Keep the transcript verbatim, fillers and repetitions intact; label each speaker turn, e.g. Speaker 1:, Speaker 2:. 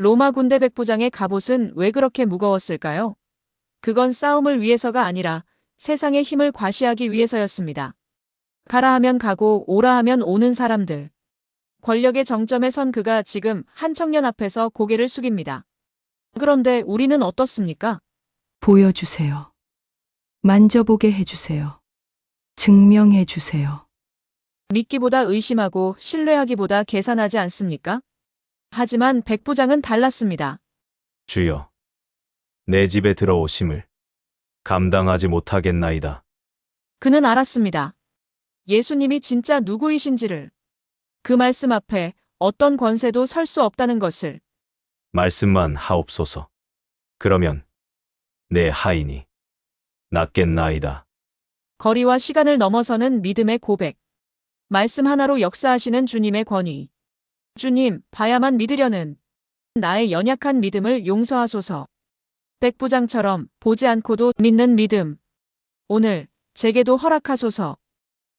Speaker 1: 로마 군대 백부장의 갑옷은 왜 그렇게 무거웠을까요? 그건 싸움을 위해서가 아니라 세상의 힘을 과시하기 위해서였습니다. 가라 하면 가고 오라 하면 오는 사람들. 권력의 정점에 선 그가 지금 한 청년 앞에서 고개를 숙입니다. 그런데 우리는 어떻습니까?
Speaker 2: 보여주세요. 만져보게 해주세요. 증명해주세요.
Speaker 1: 믿기보다 의심하고 신뢰하기보다 계산하지 않습니까? 하지만 백부장은 달랐습니다.
Speaker 3: 주여, 내 집에 들어오심을 감당하지 못하겠나이다.
Speaker 1: 그는 알았습니다. 예수님이 진짜 누구이신지를. 그 말씀 앞에 어떤 권세도 설 수 없다는 것을.
Speaker 3: 말씀만 하옵소서. 그러면 내 하인이 낫겠나이다.
Speaker 1: 거리와 시간을 넘어서는 믿음의 고백. 말씀 하나로 역사하시는 주님의 권위. 주님, 봐야만 믿으려는 나의 연약한 믿음을 용서하소서. 백부장처럼 보지 않고도 믿는 믿음. 오늘 제게도 허락하소서.